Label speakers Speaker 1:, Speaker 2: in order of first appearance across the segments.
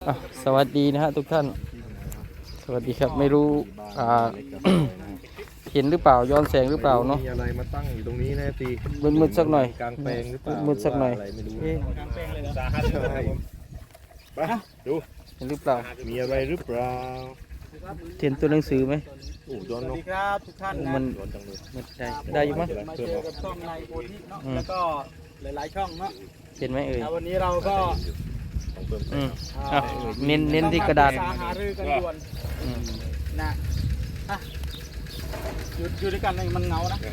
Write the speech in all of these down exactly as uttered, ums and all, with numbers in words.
Speaker 1: อ่ะสวัสดีนะฮะทุกท่านสวัสดีครับไม่รู้อ่า เห็นหรือเปล่าย้อนแสงหรือเปล่าเนาะ
Speaker 2: มีอะไรมาตั้งอยู่ตรงนี้นะตี
Speaker 1: มืดๆสักหน่อย
Speaker 2: กลางแปลงหรือเปล่า
Speaker 1: มืดๆสักหน่อย
Speaker 2: รือว่าอะไรไม่รู้
Speaker 1: เอ๊ะ
Speaker 3: กลางแปลงเลยเหรอ
Speaker 2: ใช่ไปดู
Speaker 1: เห็นหรือเปล่า
Speaker 2: มีอะไรหรือเปล่า
Speaker 1: เห็นตัวหนังสือไหม
Speaker 2: โอ้ย้อน
Speaker 3: ส
Speaker 2: น
Speaker 3: วัส
Speaker 2: ก
Speaker 3: ดีครับทุกท่านนะ
Speaker 1: มัน
Speaker 2: ย้อนจังเลย
Speaker 1: มันใช่ได้อยู่มั้ย
Speaker 3: มาเจอกับช่องในโพธิเนาะ
Speaker 1: อืม
Speaker 3: แล้วก็หลายๆช่องเนาะ
Speaker 1: เห็นไหมเอ่ย
Speaker 3: แล้ววันนี้เราก็
Speaker 2: ต้องเพิ่ม
Speaker 1: อืม
Speaker 3: อ่า
Speaker 1: อ่ะเน้นเน้นที่กระดาษ
Speaker 3: ต้องมปรึษหารือกันด่วน
Speaker 1: อืม
Speaker 3: นะอ่ะอยู่อยู่ด้วยกันเลยมันเหงานะ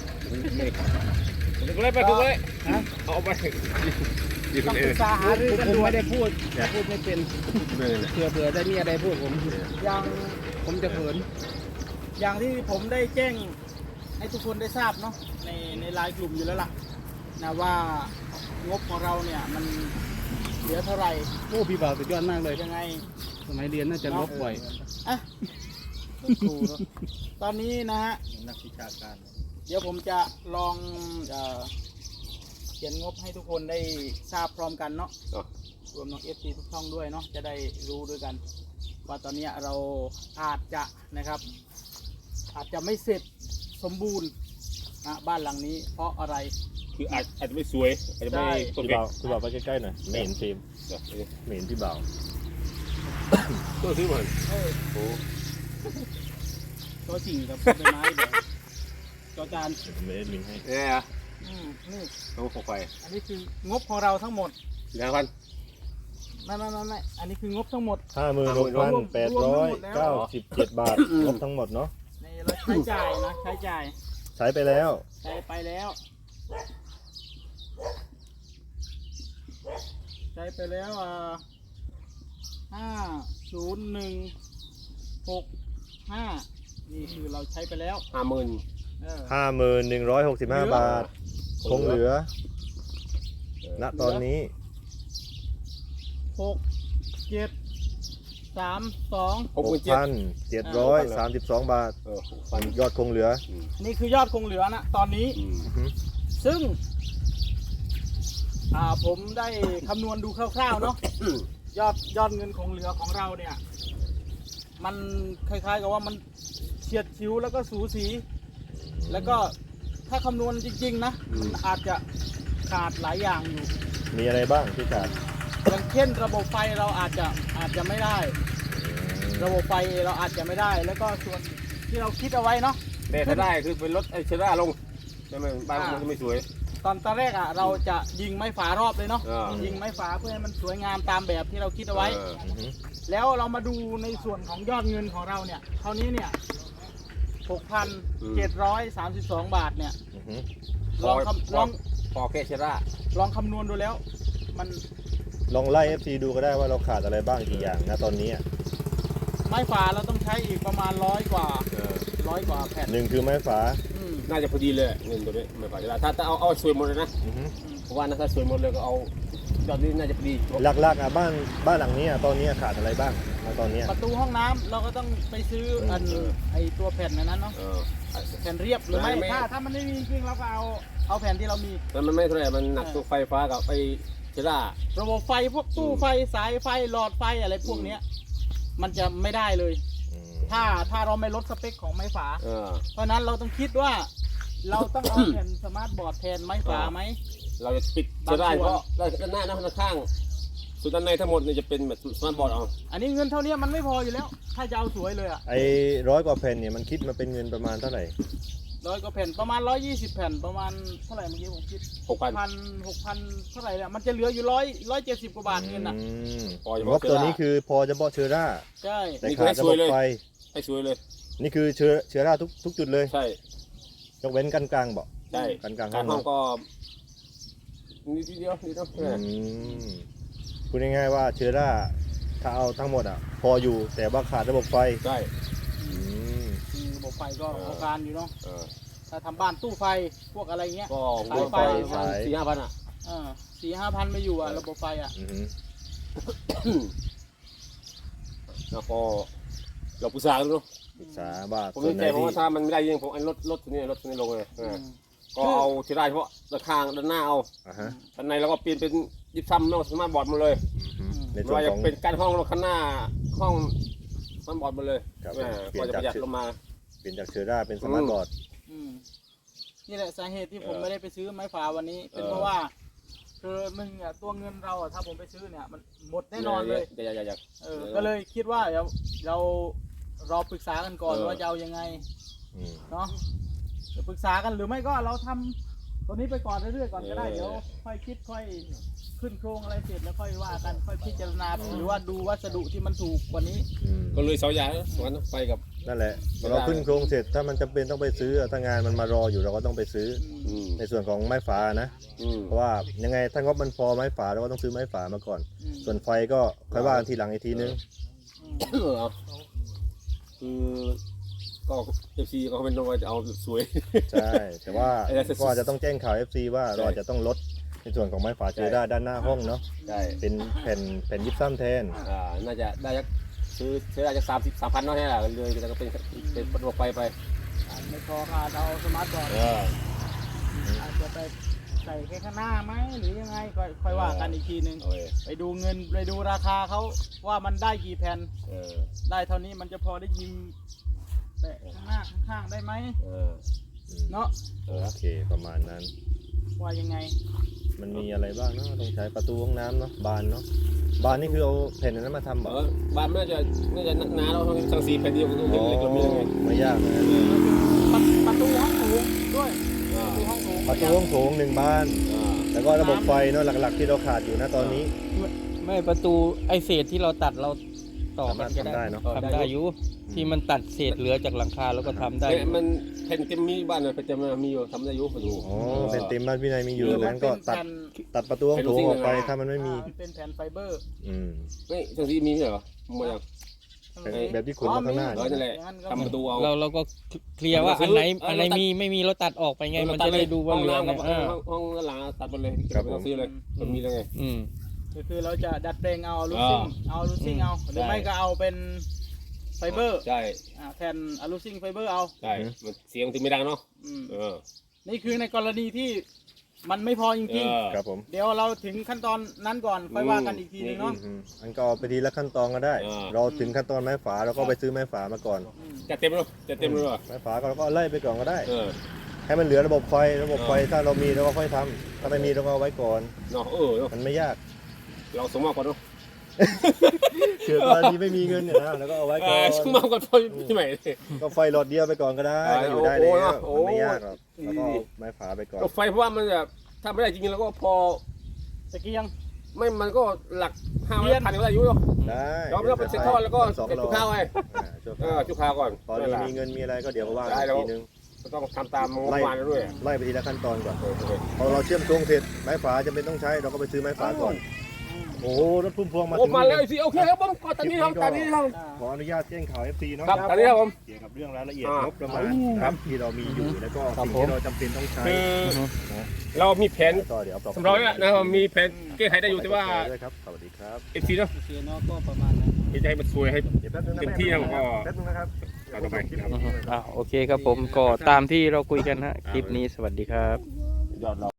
Speaker 2: ถูกเลยไปถูกเลยเอาไปดีค
Speaker 3: ต้อน ง
Speaker 2: เอ
Speaker 3: ปรึ
Speaker 2: ง
Speaker 3: กษาหารือกันด่วน
Speaker 4: ไม่ได้พูดพูดไม่เป็นเผื่อเผื่อได้มีอะไรพูดผม
Speaker 3: อย่าง
Speaker 4: ผมจะเขิน
Speaker 3: อย่างที่ผมได้แจ้งให้ทุกคนได้ทราบเนาะในในไลน์กลุ่มอยู่แล้วล่ะนะว่างบของเราเนี่ยมันเหลือเท่าไหร่
Speaker 4: โอ้พี่บ่าวสุดยอดมากเลย
Speaker 3: ยังไง
Speaker 4: สมัยเรียนน่าจะลบบ่อย
Speaker 3: อ่ะครูเนอะตอนนี้นะฮะ
Speaker 2: นักวิชาการ
Speaker 3: เดี๋ยวผมจะลองเอ่อเขียนงบให้ทุกคนได้ทราบพร้อมกันเนาะรวมน้องเอฟซีทุกช่องด้วยเนาะจะได้รู้ด้วยกัน ว่าตอนนี้เราอาจจะนะครับ อาจจะไม่เสร็จสมบูรณ์นะบ้านหลังนี้เพราะอะไร
Speaker 5: คืออาจอาจจะไม่สวยอาจจะไม่
Speaker 3: ใช่
Speaker 5: โอ
Speaker 2: พี่
Speaker 5: เค
Speaker 2: บ่าวพี่บ่าวไปใกล้ๆหน่อยไม่เห็นฟิล์มไม่เห็นพี่บ่าว
Speaker 5: ตัวซื้อมา
Speaker 3: เออ
Speaker 2: โอ้
Speaker 3: ตัวจริงกับใบไม้เดี๋ยวจอจาน
Speaker 2: ไม่ได้ลิงก์ให้
Speaker 5: เนี่ย
Speaker 3: อืมนี่
Speaker 5: ต้องขอไฟ
Speaker 3: อันนี้คืองบของเราทั้งหมด
Speaker 5: สี่ห้าพัน
Speaker 3: ไม่ไม่ไม่ไม่อันนี้คืองบทั้งหมด
Speaker 2: ห้าหมื่นหกพันแปดร้อยเก้าสิบเจ็ดบาทครบทั้งหมดเนาะ
Speaker 3: ในเราใช้จ่ายนะใช้จ่าย
Speaker 2: ใช้ไปแล้ว
Speaker 3: ใช้ไปแล้ว ใช้ไปแล้วอ่าห้าศูนย์หนึ่งหกห้านี่คือเราใช้ไปแล้ว
Speaker 5: ห้าหมื่น
Speaker 3: เออ
Speaker 2: ห้าหมื่นหนึ่งร้อยหกสิบห้าบาท คงเหลือ ณ ตอนนี้
Speaker 3: หกเจ็ดสามสอง
Speaker 5: ห
Speaker 2: ห
Speaker 5: ก
Speaker 2: ก
Speaker 5: หมื่นเจ็ด
Speaker 2: พันเจ็ดร้อยสามสิบสองบาท
Speaker 5: เออหกพัน
Speaker 2: ยอดคงเหลือ
Speaker 3: นี่คือยอดคงเหลือนะตอนนี้
Speaker 5: อืม
Speaker 2: อือฮึ
Speaker 3: ซึ่ง อ่าผมได้คำนวณดูคร่าวๆเนาะยอดยอดเงินคงเหลือของเราเนี่ย มันคล้ายๆกับว่ามันเฉียดชิวแล้วก็สูสี แล้วก็ถ้าคำนวณจริงๆนะมันอาจจะขาดหลายอย่างอยู่
Speaker 2: มีอะไรบ้างที่ขาด
Speaker 3: อย่างเช่นระบบไฟเราอาจจะอาจจะไม่ได้ ระบบไฟเราอาจจะไม่ได้ แล้วก็ส่วนที่เราคิดเอาไว้เนาะ
Speaker 5: แต่ถ้าได้คือเป็นรถไอ้เชด้าลงใช่ไหมบ้านมันจะไม่สวย
Speaker 3: ตอนตอนแรกอ่ะเราจะยิงไม้ฝารอบเลยเนาะ
Speaker 5: เออ
Speaker 3: ยิงไม้ฝาเพื่อให้มันสวยงามตามแบบที่เราคิดเอาไว้
Speaker 5: เออ
Speaker 2: อือฮึ
Speaker 3: แล้วเรามาดูในส่วนของยอดเงินของเราเนี่ยเท่านี้เนี่ย หกพันเจ็ดร้อยสามสิบสอง บาทเนี่ย
Speaker 2: อือฮึ
Speaker 3: ลองคำลอง
Speaker 5: พอแค่เชด้า
Speaker 3: ลองคำนวณดูแล้ว มัน
Speaker 2: ลองไล่ เอฟ ซี ดูก็ได้ว่าเราขาดอะไรบ้างกี่อย่างนะตอนนี้อะ
Speaker 3: ไม้ฝาเราต้องใช้อีกประมาณร้อยกว่า
Speaker 5: เออ
Speaker 3: ร้อยกว่าแผ่น
Speaker 2: หนึ่งคือไม้ฝา
Speaker 3: อืม
Speaker 5: น่าจะพอดีเลยเงินตัวนี้ไม่พอเชด้าถ้าถ้าเอาเอาสวยหมดเลยนะ
Speaker 2: อือฮึ
Speaker 5: เพราะว่านะถ้าสวยหมดเลยก็เอายอดนี้น่าจะพอดี
Speaker 2: หลักๆอ่ะบ้านบ้านหลังนี้อ่ะตอนนี้ขาดอะไรบ้างนะตอนนี้
Speaker 3: ประตูห้องน้ำเราก็ต้องไปซื้ออันไอตัวแผ่นอันนั้นเนาะ
Speaker 5: เออ
Speaker 3: แผ่นเรียบหรือไม่
Speaker 5: ไม่ไม่
Speaker 3: ถ้าถ้ามันไม่มีจริงเราก็เอาเอาแผ่นที่เรามี
Speaker 5: แล้วมันไม่เท่าไหร่มันหนักตัวไฟฟ้ากับไอ้เชด้า
Speaker 3: ระบบไฟพวกตู้ไฟสายไฟหลอดไฟอะไรพวกเนี้ยมันจะไม่ได้เลย
Speaker 2: อืม
Speaker 3: ถ้าถ้าเราไม่ลดสเปคของไม้ฝา
Speaker 5: เออ
Speaker 3: เพราะฉะนั้นเราต้องคิดว่า เราต้องเอาแผ่นสมาร์ทบอร์ดแทนไม้ฝาไหม
Speaker 5: เราจะปิดเชด้าเพราะด้านหน้านะด้านข้างส่วนด้านในทั้งหมดเนี่ยจะเป็นแบบสมาร์ทบอร์ดเอา
Speaker 3: อันนี้เงินเท่านี้มันไม่พออยู่แล้ว ถ้าจะเอาสวยเลยอะ
Speaker 2: ไอ้ร้อยกว่าแผ่นเนี่ยมันคิดมาเป็นเงินประมาณเท่าไหร่
Speaker 3: ร้อยกว่าแผ่นประมาณร้อยยี่สิบแผ่นประมาณเท่าไหร่เมื่อกี้ผมคิด
Speaker 5: หกพัน
Speaker 3: พันหกพันเท่าไหร่เนี่ยมันจะเหลืออยู่ร้อยร้อยเจ็ดสิบกว่าบาทเงินอ่ะ
Speaker 2: อืม
Speaker 5: พอจะ
Speaker 2: ง
Speaker 5: บอก
Speaker 2: บตัวนี้คือพอจะเบาะเชื้อรา
Speaker 3: ใช่
Speaker 2: แต่ขาดระบบไฟ
Speaker 5: ให้สวยเลย
Speaker 2: นี่คือเชื้อเชื้อราทุกทุกจุดเลย
Speaker 5: ใช่
Speaker 2: ยกเว้นกันกลางเบาะ
Speaker 5: ใช่
Speaker 2: กันกลาง
Speaker 5: กา
Speaker 2: ห้
Speaker 5: ร
Speaker 2: อง
Speaker 5: ห้อง
Speaker 2: เนาะ
Speaker 5: ก็นิดเดียวนิดเดียว
Speaker 2: อืมพูดง่ายๆว่าเชื้อราถ้าเอาทั้งหมดอ่ะ พออยู่แต่ว่าขาดระบบไฟ
Speaker 5: ใช่
Speaker 2: อืม
Speaker 3: คือระบบไฟก็เอาการอยู่เนาะ
Speaker 5: เออ
Speaker 3: ถ้าทำบ้านตู้ไฟพวกอะไรเงี้ย
Speaker 5: ก็
Speaker 3: สายไฟ
Speaker 5: ประมาณสี่ห้าพันอ่ะ
Speaker 3: เออสี่ห้าพันไม่อยู่อ่ะระบบไฟอ่ะ
Speaker 2: อืม
Speaker 5: แล้วก็เราปรึกษากันดู
Speaker 2: ศึกษาว่า
Speaker 5: ผม
Speaker 2: ส่ว
Speaker 5: นึ
Speaker 2: น
Speaker 5: ก
Speaker 2: ไหน
Speaker 5: ใจผม
Speaker 2: ที่
Speaker 5: ว่าถ้ามันไม่ได้ยิงผมไอ้รถรถตัวนี้รถตัวนี้ลงเลยเออ
Speaker 3: อืม
Speaker 5: ก็เอาที่ได้เฉพาะด้านข้างด้านหน้าเอา
Speaker 2: อ่าฮะ
Speaker 5: ด้านในเราก็เปลี่ยนเป็นยิบซ้ำนอกสมาร์ทบอร์ดหมาเลย
Speaker 2: อืม
Speaker 3: อืม
Speaker 2: ใน
Speaker 5: ไม่
Speaker 2: ส่วน
Speaker 5: ว่าจะ
Speaker 2: ของ
Speaker 5: เป็นการห้องรถข้างหน้าห้องมันบอดหมดเลย
Speaker 2: ครับ
Speaker 5: แม่
Speaker 2: เปลี่
Speaker 5: ก็
Speaker 2: ยน
Speaker 5: จะ
Speaker 2: จาก
Speaker 5: ประหยัดลงมา
Speaker 2: เปลี่ยนจากเชอร่าเป็นสมาร์ทบอร์ด
Speaker 3: อืมนี่แหละสาเหตุที่ผม
Speaker 5: เออ
Speaker 3: ไม่ได้ไปซื้อไม้ฝาวันนี้ เป็น
Speaker 5: เออ
Speaker 3: เพราะว่าคือหนึ่งอ่ะตัวเงินเราอ่ะถ้าผมไปซื้อเนี่ยมันหมดแน่นอนเลย
Speaker 5: อย่าอย่าอย่าอย่า
Speaker 3: เออก็เลยคิดว่าเดี๋ยวเราเราปรึกษากันก่อน
Speaker 5: เออ
Speaker 3: ว่าจะเอายังไง
Speaker 2: อืม
Speaker 3: เนาะจะปรึกษากันหรือไม่ก็เราทำตัวนี้ไปก่อนเรื่อยๆก่อนก็ได้เดี๋ยวค่อยคิดค่อยขึ้นโครงอะไรเสร็จแล้วค่อยว่ากันค่อยพิจารณาหรือว่าดูวัสดุที่มันถูกกว่านี้
Speaker 2: อืม
Speaker 5: ก็เลยเสาใหญ่สวนไปกับ
Speaker 2: นั่นแหละพอเราขึ้นโครงเสร็จถ้ามันจำเป็นต้องไปซื้อถ้างานมันมารออยู่เราก็ต้องไปซื้อ
Speaker 5: อืม
Speaker 2: ในส่วนของไม้ฝานะ
Speaker 5: อืม
Speaker 2: เพราะว่ายังไงถ้างบมันพอไม้ฝาเราก็ต้องซื้อไม้ฝามาก่อน
Speaker 3: อืม
Speaker 2: ส่วนไฟก็ค่อยว่ากันทีหลังอีกทีนึง
Speaker 3: อืม
Speaker 5: เออเอาคือก็เอฟซีก็เป็นว่าจะเอาสวย
Speaker 2: ใช่ แต่ว่า
Speaker 5: ไอ้นั่น
Speaker 2: ก็อาจจะต้องแจ้งข่าว เอฟ ซี ว่าเราอาจจะต้องลดในส่วนของไม้ฝาเจอด้าด้านหน้าห้องเนาะ
Speaker 5: ใช่
Speaker 2: เป็นแผ่นแผ่นยิบซ้ำแทน
Speaker 5: อ่าน่าจะได้สักซื้อซื้อได้จะสามสิบสามพันเนาะเนี่ยเลยแต่ก็เป็นเป็นระบบไฟไป
Speaker 3: อาจไม่พอค่ะเราเอาสมาร์ทบอร์ด
Speaker 5: เออ
Speaker 3: อาจจะไปใส่แค่ข้างหน้าไหมหรือยังไงค่อยค่อยว่ากันอีกทีนึง
Speaker 5: โอ้ย
Speaker 3: ไปดูเงินไปดูราคาเขาว่ามันได้กี่แผ่น
Speaker 5: เออ
Speaker 3: ได้เท่านี้มันจะพอได้ยิงแปะข้างหน้าข้างๆได้ไหม
Speaker 5: เออ
Speaker 3: เนาะ
Speaker 5: เออ
Speaker 2: โอเคประมาณนั้น
Speaker 3: ว่ายังไง
Speaker 2: มันมีอะไรบ้างเนาะต้องใช้ประตูห้องน้ำเนาะบานเนาะบานนี่คือเอาแผ่นนั้นมาทำเหร
Speaker 5: เอ
Speaker 2: อ
Speaker 5: อบ้านมันน่าจะน่าจะหนาเราสังสีแผ่นเดียวก็ต้อง
Speaker 2: อ๋อ
Speaker 5: เล็กๆก็มียังไง
Speaker 2: ไม่ยากนะ
Speaker 3: ประประตูห้องโถงด้วย
Speaker 5: อ่า
Speaker 3: ประตูห้องโถง
Speaker 2: ประตูห้องโถงหนึ่งบาน
Speaker 5: อ่า
Speaker 2: แล้วก็ระบบไฟเนาะหลักๆที่เราขาดอยู่นะตอนนี้
Speaker 1: ไม่ประตูไอเศษที่เราตัดเราต่อกันก็
Speaker 2: สามารถทำได้เนอะ
Speaker 1: ทำได้อยู่ที่มันตัดเศษเหลือจากหลังคาแล้วก็ทำได้
Speaker 5: แต่มันแผ่นเต็มมีบ้านเลยแผ่นเต็มมีอยู่ทำได้อยู่ประตู
Speaker 2: อ๋อเป็นเต็มบ้านพี่นายมีอยู่
Speaker 3: คือมั
Speaker 2: นั้นก็
Speaker 3: เป็น
Speaker 2: ตัด
Speaker 3: แผ่น
Speaker 2: ตัดประตูห้องโถงออกไปถ้ามันไม่มี
Speaker 3: อ่ามันเป็นแผ่นไฟเบอร์
Speaker 2: อืม
Speaker 5: ไม่สังสีมีไหมเหรอหมดยัง
Speaker 2: แบบแบบที่ขนมาข้างหน้า
Speaker 5: เออนั่นแหละ
Speaker 3: อย่างนั้นก็
Speaker 5: ทำประตูเอา
Speaker 1: เราเราก็เคลียร์ว่าอันไหนอันไหนมีไม่มีเราตัดออกไปไงมันจะได้ดูว่าเหลือ
Speaker 5: ห้อง
Speaker 1: ไง
Speaker 5: น้ำกับ
Speaker 1: อ่า
Speaker 5: ห้องห้องหลังตัดหมดเลยไม่ต้องซื้อเลยมันมีแล้วไง
Speaker 1: อืม
Speaker 3: ก็คือเราจะดัดแปลงเอาลูซิ่ง
Speaker 5: อ่า
Speaker 3: เอาลูซิ่งเอาหรือ
Speaker 5: ใช่
Speaker 3: ไม่ก็เอาเป็นไฟเบอร์
Speaker 5: ใช่
Speaker 3: อ่าแผ่นอะลูซิ่งไฟเบอร์เอา
Speaker 5: ใช่มันเสียงถึงไม่ดังเนาะ
Speaker 3: อืม
Speaker 5: เออ
Speaker 3: นี่คือในกรณีที่มันไม่พอจริง
Speaker 5: เออ
Speaker 2: ครับผม
Speaker 3: ๆ เดี๋ยวเราถึงขั้นตอนนั้นก่อนค่อยว่ากันอีกทีนึงเนาะ
Speaker 2: อืมอันก็เอาไปทีละขั้นตอนก็ได้
Speaker 5: อ่า
Speaker 2: เราถึงขั้นตอนไม้ฝาเราก็ไปซื้อไม้ฝามาก่อน
Speaker 3: อืม
Speaker 5: จะเต็มแล้วจะเต็มแล้วเหรอ
Speaker 2: ไม้ฝาก็เราก็ไล่ไปก่อนก็ได้
Speaker 5: เออ
Speaker 2: ให้มันเหลือระบบไฟระบบไฟถ้าเรามีเราก็ค่อยทำถ้าไม่มีเราก็เอาไว้ก่อน
Speaker 5: เนาะเออเนาะ
Speaker 2: มันไม่ยาก
Speaker 5: เราสมมากก่อนเนาะ
Speaker 2: เกิดกรณีไม่มีเงินเนี่ยนะแล้วก็เอาไว้
Speaker 5: เอ
Speaker 2: ก่อ
Speaker 5: อน สมมากก่อนพอที่ใหม่
Speaker 2: ก็ไฟหลอดเดียวไปก่อนก็ได้
Speaker 5: อ่า
Speaker 2: ก็อยู่ได้
Speaker 5: โอ้
Speaker 2: แล้ว
Speaker 5: โอ้
Speaker 2: มันไม่ยากหรอก
Speaker 5: โอ้
Speaker 2: แล้วก็เอาไม้ฝาไปก่อน
Speaker 5: รถไฟเพราะว่ามันแบบถ้าไม่ได้จริงๆแล้วก็พอ
Speaker 3: ตะเกียง
Speaker 5: ไม่มันก็หลักห้าร้อยพันก็ได้อยู่เนาะ
Speaker 2: ได้
Speaker 5: เราไม่ต้องเป็นเซ็นทรัลแล้วก็
Speaker 2: สอง
Speaker 5: เป็น
Speaker 2: ร
Speaker 5: จุ
Speaker 2: อ
Speaker 5: กข้าวไง
Speaker 2: อ่าชั่วค
Speaker 5: เอ
Speaker 2: ราว
Speaker 5: อจุกข้าวก่อน
Speaker 2: ตอนนี้มีเงินมีอะไรก็เดี๋ยวก็ว่ากัน
Speaker 5: ได้
Speaker 2: อี
Speaker 5: แล้ว
Speaker 2: กทีนึง
Speaker 5: ก็ต้องทำตามงบประมาณด้วย
Speaker 2: ไล่ไปทีละขั้นตอนก่อน
Speaker 5: โอเค
Speaker 2: พอเราเชื่อมโครงเสร็จไม้ฝาจะเป็นต้องใช้เราก็ไปซื้อไม้ฝาก่อน โอ้โหรถพุ่มพวงมา
Speaker 5: โอ้
Speaker 2: ถึง
Speaker 5: มาแล้วสิโอเคครับผมก็ตอนนี้ครับตอนนี้ครับ
Speaker 3: อ่า
Speaker 2: ขออนุญาตแจ้งข่าว เอฟ ซี เนาะ
Speaker 5: ครับตอนนี้ครับผม
Speaker 2: เกี่ยวกับเรื่องรายละเอียด
Speaker 5: อ่าง
Speaker 2: บประมาณครับที่เรามีอยู่แล้วก็
Speaker 1: ครับ
Speaker 2: สิ่ง
Speaker 1: ผม
Speaker 2: ที่เราจำเป็นต้องใช้
Speaker 5: คือเรามีแผน
Speaker 2: ก็เดี๋ยว
Speaker 5: สำรองแล้วนะครับมีแผนแก้ไขได้อยู่แต่ว่า
Speaker 2: ด้วยครับสวัสดีครับ
Speaker 5: เอฟซีเนาะ
Speaker 3: โอเคเนาะก็ประมาณนั้น
Speaker 5: ที่จะให้มันสวยให้
Speaker 2: เดี๋ยวแป๊บนึงนะ
Speaker 5: เต็มที่แล้วก็
Speaker 2: แป๊บนึงนะครับ
Speaker 5: เอาต่อไปครับ
Speaker 1: อ่าโอเคครับผมก็ตามที่เราคุยกันฮะคลิปนี้สวัสดีครับ
Speaker 5: ยอดเรา